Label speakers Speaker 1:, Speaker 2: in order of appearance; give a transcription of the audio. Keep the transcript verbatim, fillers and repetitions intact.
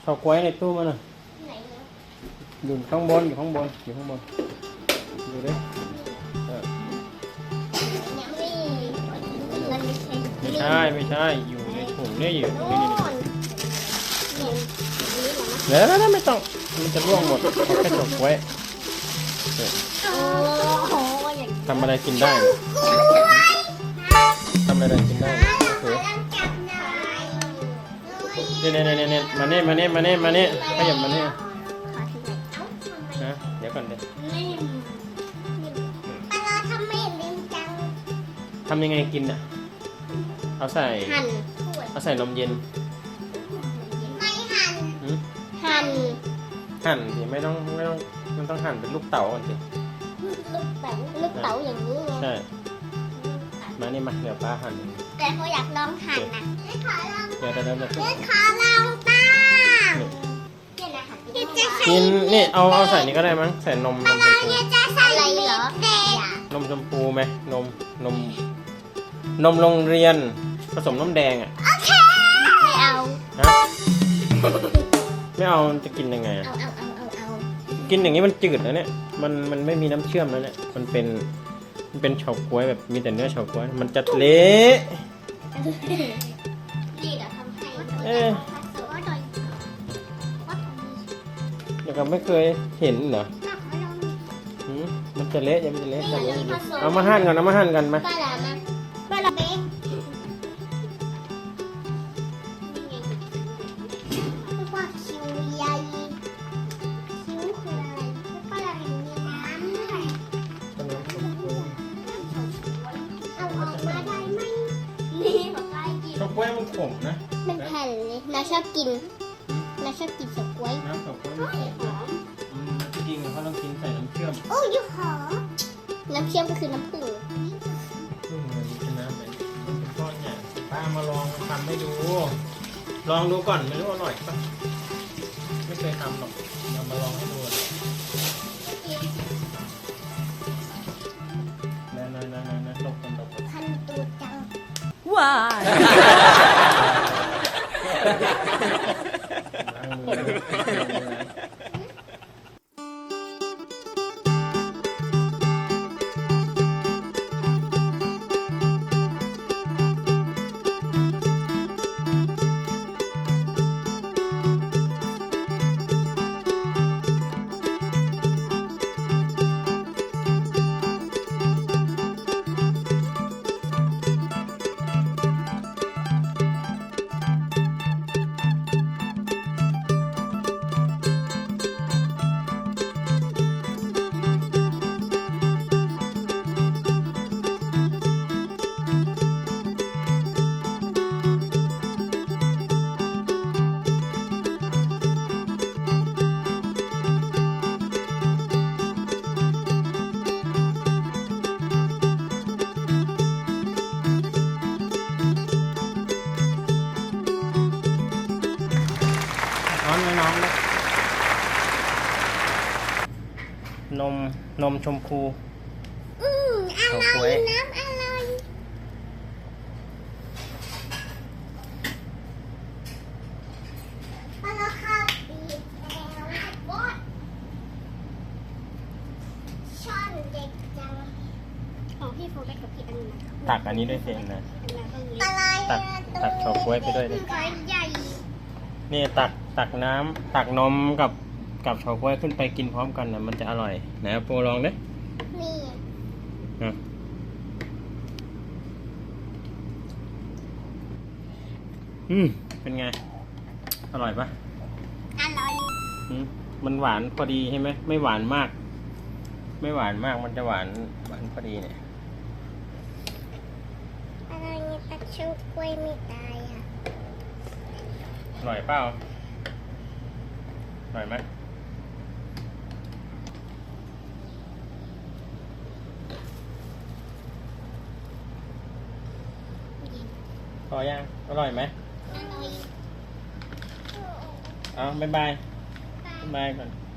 Speaker 1: เฉาก๊วยในตู้มันน่ะ
Speaker 2: ไหนเนาะ
Speaker 1: อยู่ข้างบนอยู่ข้างบนอยู่ข้างบนดูดิเออ
Speaker 2: ยังไม่มันไม่ใช่
Speaker 1: ไม่ใช่ไม่ใช่อยู่ในถุงเนี่ยอยู่ตรงนี้นี่
Speaker 2: เนี่ยนี่เหรอ
Speaker 1: เดี๋ยวแล้วไม่ต้องมันจะร่วงหมดเอาแค่เฉาก๊วยเออ
Speaker 2: โอ้โหอย่าง
Speaker 1: ทำอะไรกินได้ทำอะไรกินได้เออเนี่ยเนี่ยเนี่ยเนี่ยมาเนี่ยมาเนี่ยมาเนี่ยมาเนี่ยขยับมาเนี่ยนะเดี๋ยวก่อนเดี๋ยว
Speaker 2: ปลาทำไม่ลืมจัง
Speaker 1: ทำยังไงกินอ่ะเอาใส่
Speaker 2: หั่น
Speaker 1: เอาใส่นมเย็น
Speaker 2: ไม่หั่น
Speaker 1: หืม
Speaker 2: หั่น
Speaker 1: หั่นสิไม่ต้องไม่ต้องมันต้องหั่นเป็นลูกเต๋าก่อนสิ
Speaker 2: ลูกเต๋าลูกเต๋าอย่างนี้ไง
Speaker 1: ใช่มานี่มาเดี๋ยวป้าหั่น
Speaker 2: แต่เขาอยากลองหั่นนะขอลอง
Speaker 1: เดี๋ยวเดี๋ยวเดี๋ยวเดี๋ยว
Speaker 2: ขอลองบ้างเนี่ยนะค่ะจะใส่
Speaker 1: กินนี่เอาเอาใส่นี่ก็ได้มั้งใส่นมนมชมพู
Speaker 2: จะใส่อะไรเหรอน
Speaker 1: มชมพูไหมนมนมนมโรงเรียนผสมน้ำแดงอ่ะ
Speaker 2: โอเคไม่เอา
Speaker 1: ฮะไม่เอาจะกินยังไงอ่ะ
Speaker 2: เอาเอาเอาเอาเอา
Speaker 1: กินอย่างนี้มันจืดนะเนี่ยมันมันไม่มีน้ำเชื่อมแล้วเนี่ยมันเป็นมันเป็นเฉาก๊วยแบบมีแต่เนื้อเฉาก๊วยมันจะเละ
Speaker 2: นี่เดี๋ยวทำให้
Speaker 1: เอ๊ะเดี๋ยวก็ไม่เคยเห็นเหรอหืมมันจะเละยังมันจะเละทำยังไงเอามาหั่นกันเอามาหั่นกันมา
Speaker 2: ปลาหลามาปลาหลาเบ๊กว่าคิวใหญ่คิวคืออะไรปลาหลามีน้ำด้วยเอาออกมาได้ไหมนี่บอกได้กิน
Speaker 1: เฉาก๊วยมันขมนะ
Speaker 2: เป็นแผ่นเลยนาชอบกินนาชอบกินสก๊วย
Speaker 1: น้ำเฉาก๊วยมันขมนะอืมจริงๆเขาต้องกินใส่น้ำเชื่อม
Speaker 2: โอ้ยหอมน้ำเชื่อมก็คือน้ำผึ้ง
Speaker 1: ซึ่งมันเป็นน้ำแบบมันเป็นก้อนเนี่ยป้ามาลองทำให้ดู ลองดูก่อนไม่รู้อร่อยปะไม่เคยทำหรอกเรามาลองให้ดูนะนะนะนะนะลบกันลบกัน
Speaker 2: พันตัวจัง
Speaker 3: ว้าย
Speaker 1: ล้างมือนะ น้องน้องเลยนมนมชมพู
Speaker 2: อืมอร่
Speaker 1: เฉาก๊
Speaker 2: อ
Speaker 1: วย
Speaker 2: ยน้ำอร่อยปลาคาบีแล้วบดช้อนเด็กจังของพี่โฟกัสกับพี่อันนะ
Speaker 1: ตักอันนี้ด้วยเองนะ
Speaker 2: อะไร
Speaker 1: ตักตักเฉาก๊วยไปด้วยเลย
Speaker 2: ก้อยใหญ่
Speaker 1: นี่ตักตักน้ำตักนมกับกับเฉาก๊วยขึ้นไปกินพร้อมกันนะมันจะอร่อยไหนเอาโปรลองดิ
Speaker 2: นี่
Speaker 1: นะอืมเป็นไง อร่อยปะ
Speaker 2: อร่อย
Speaker 1: อืมมันหวานพอดีใช่ไหมไม่หวานมาก ไม่หวานมากมันจะหวานหวานพอดีเนี่ย
Speaker 2: อะไรเนี่ยตะชูกล้วยไม่ตายอ่ะ
Speaker 1: อร่อยเปล่าอร่อยไหมพอยังอร่อยไหม
Speaker 2: อร่อย
Speaker 1: เอาบ๊ายบายบ๊ายบายก่อน